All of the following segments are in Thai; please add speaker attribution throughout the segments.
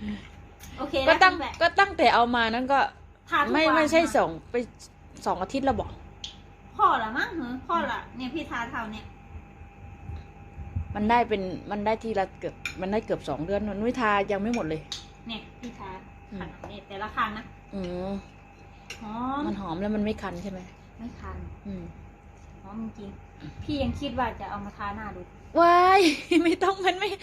Speaker 1: โอเค
Speaker 2: ก็ตั้ง
Speaker 1: แบบ
Speaker 2: ก็ตั้งแต่เอามานั้นก็
Speaker 1: ทาทุกวัน
Speaker 2: ไม่ใช่
Speaker 1: นะ
Speaker 2: ไป2 อาทิตย์แล้วบอก
Speaker 1: พ่อละมั้งเหรอพ่อละเนี่ยพี่ทาเท่าเนี่ย
Speaker 2: มันได้ทีละเกือบมันได้เกือบ2 เดือนนุ้ยทายังไม่หมดเลย
Speaker 1: เนี่ยพี่ทาขนาดนี้แต่ละครั้งนะ
Speaker 2: อืม
Speaker 1: หอม
Speaker 2: มันหอมแล้วมันไม่คันใช่ไหม
Speaker 1: ไม่คัน
Speaker 2: อืม
Speaker 1: หอมจริงพี่ยังคิดว่าจะเอามาทาหน้าดู
Speaker 2: ว้าย ไม่ต้องมันไม่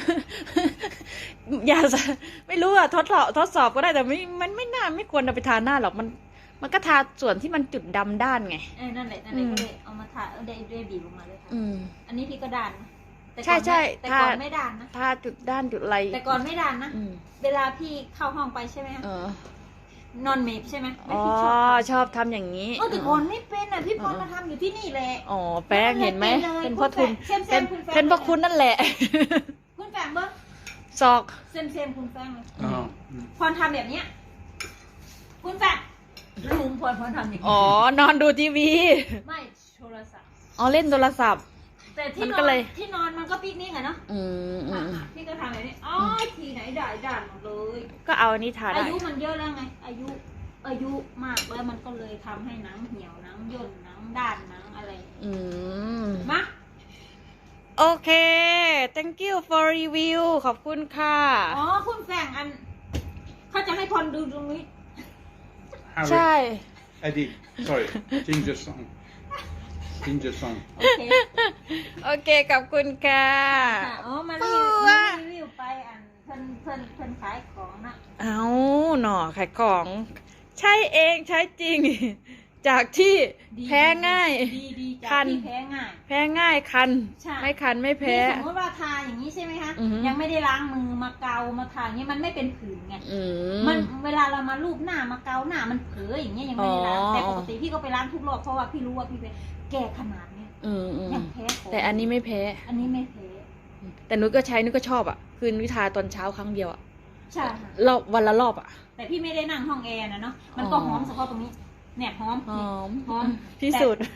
Speaker 2: อย่าไม่รู้อะทดสอบก็ได้แต่มันไม่น่าไม่ควรเอาไปทาหน้าหรอกมันก็ทาส่วนที่มันจุดดำด้านไง
Speaker 1: นั่นแหละก็เลยเอามาทาได้บีบลงมาเลยค่ะ
Speaker 2: อืม
Speaker 1: อันนี้พี่ก็ด่านนะแต่
Speaker 2: ใช่
Speaker 1: ก่อน
Speaker 2: ใช่
Speaker 1: แต่ก่อนไม่ด่านนะ
Speaker 2: ทาจุดด้านจุดอะไร
Speaker 1: แต่ก่อนไม่ด่านนะ
Speaker 2: อืม
Speaker 1: เวลาพี่เข้าห้องไปใช่ไหมคะ
Speaker 2: เออน
Speaker 1: อนเมฟใช่ไหมแล้ว
Speaker 2: อ๋อ
Speaker 1: พี่ชอบ
Speaker 2: ชอบทำอย่างนี้
Speaker 1: แต่ก่อนไม่เป็นอ่ะพี่พรมาทำอยู่ที่นี่แหละ
Speaker 2: อ๋อแป้งเห็นไหม
Speaker 1: เลย
Speaker 2: เป็นพ่อทุน
Speaker 1: เซม
Speaker 2: เป็น
Speaker 1: คุณแฟน
Speaker 2: เป็นพ่อคุณนั่นแหละ
Speaker 1: คุณแฟงเบิ้ง
Speaker 2: ศอก
Speaker 1: เซมคุณแฟงเลย
Speaker 3: Ja.
Speaker 1: พรทำแบบเนี้ยคุณแฟงลุงพรทำอย่างนี้
Speaker 2: อ๋อนอนดูทีวี
Speaker 1: ไม่โทรศัพท์
Speaker 2: อ๋อเล่นโทรศัพท์
Speaker 1: แต่ที่
Speaker 2: มัน
Speaker 1: น
Speaker 2: ก็
Speaker 1: อน
Speaker 2: เลย
Speaker 1: ที่นอนมันก็ปิกนิกอะเนาะ
Speaker 2: อืมอืม
Speaker 1: พี่ก็ทำแบบนี้อ๋อทีไหนด่านหมดเลย
Speaker 2: ก็เอาอันนี้ทา
Speaker 1: อา
Speaker 2: ได้
Speaker 1: ยุมันเยอะแล้วไง อายุมากแล้วมันก็เลยทำให้หนังเหี่ยวหนังย่นหนังด้านหนังอะไร
Speaker 2: อืม
Speaker 1: มา
Speaker 2: โอเค thank you for review ขอบคุณค่ะ
Speaker 1: อ๋อคุณแฟงอันเขาจะให้พรดูตรงนี้
Speaker 2: ใช่
Speaker 3: Harry. Eddie. Sorry. Ginger song. Ginger song.
Speaker 1: โอเค
Speaker 2: โอเคขอบคุณค่ะ
Speaker 1: ค่ะอ๋อมา
Speaker 2: ปั
Speaker 1: รี
Speaker 2: ว
Speaker 1: วิวไปอันเพิ่นขายของนะ
Speaker 2: เอาหน่อขายของ ใช่เองใช้จริง จากที่แพ้ง่าย
Speaker 1: ดีจาก
Speaker 2: คัน
Speaker 1: ที่แพ้ง่าย
Speaker 2: แพ้ง่ายคัน
Speaker 1: ใช่
Speaker 2: ไม่คันไม่แพ้
Speaker 1: นี่สมมติว่าทาอย่างนี้ใช่ไหมคะ
Speaker 2: อือฮึ
Speaker 1: ยังไม่ได้ล้างมือมาเกามาทาอย่างนี้มันไม่เป็นผื่นไง
Speaker 2: อื
Speaker 1: มันเวลาเรามาลูบหน้ามาเกาหน้ามันเผลออย่างเงี้ยยังไม่ได้ล้าง
Speaker 2: อ๋อ
Speaker 1: แต่ปกติพี่ก็ไปล้างทุกรอบเพราะว่าพี่รู้ว่าพี่เป็นแก่ขนาดเนี้ย
Speaker 2: อืม
Speaker 1: ยังแพ้ของ
Speaker 2: แต่อันนี้ไม่แพ้
Speaker 1: อันนี้ไม่แพ้
Speaker 2: แต่นุ้ยก็ใช้นุ้ยก็ชอบอ่ะ คือนุ้ยทาตอนเช้าครั้งเดียวอ่ะ
Speaker 1: ใช่ค่ะ
Speaker 2: รอบวันละรอบอ่ะ
Speaker 1: แต่พี่ไม่ได้นั่งห้องแอร์นะเนาะมันก็
Speaker 2: อ๋อ
Speaker 1: หอมเฉพาะตรงนี้ เนี่ยหอม
Speaker 2: หอม
Speaker 1: หอม
Speaker 2: ที่สุด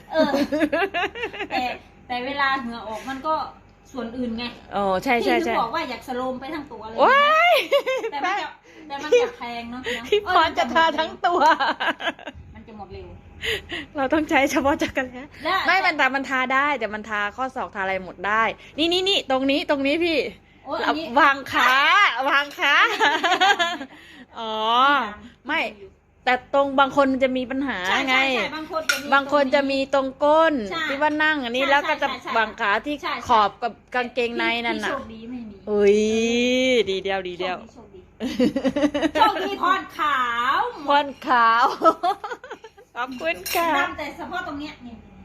Speaker 1: แต่เวลาเหงื่อออกมันก็ส่วนอื่นไง
Speaker 2: อ๋อใช่ใช่
Speaker 1: พี่ถึ
Speaker 2: ใช่
Speaker 1: งบอกว่าอยากสโลมไปทั้งตัวเลย
Speaker 2: ว้าย
Speaker 1: แต่มันจะแพงเนาะ
Speaker 2: พี่พรจะทาทั้งตัว
Speaker 1: มันจะหมดเร็ว
Speaker 2: เราต้องใช้เฉพาะจักรแล้
Speaker 1: ได้
Speaker 2: ไม่มันทาได้ แต่มันทาข้อศอกทาอะไรหมดได้ นี่ตรงนี้พี่
Speaker 1: โอ้ยอันนี้
Speaker 2: วางขา อ๋อ ไม่ แต่ตรงบางคนจะมีปัญหา
Speaker 1: ใช่
Speaker 2: ไง
Speaker 1: ใช่บางคนจะมี
Speaker 2: บางคนจะมีตรงก้น
Speaker 1: ใช่
Speaker 2: ที่ว่านั่งอันนี้
Speaker 1: ใช่
Speaker 2: แล้วก็จะ
Speaker 1: ใช่
Speaker 2: วางขาที่
Speaker 1: ใช่
Speaker 2: ขอบกับกางเกงในนั่น
Speaker 1: พี่
Speaker 2: น่ะ
Speaker 1: โชคดีไม่มี
Speaker 2: อุ้ยดีเดียว
Speaker 1: โชคดีโชคดีพรขาว
Speaker 2: พรขาว ขอบคุณค่ะ
Speaker 1: ดำแต่เฉพาะตรงเนี้ยนี่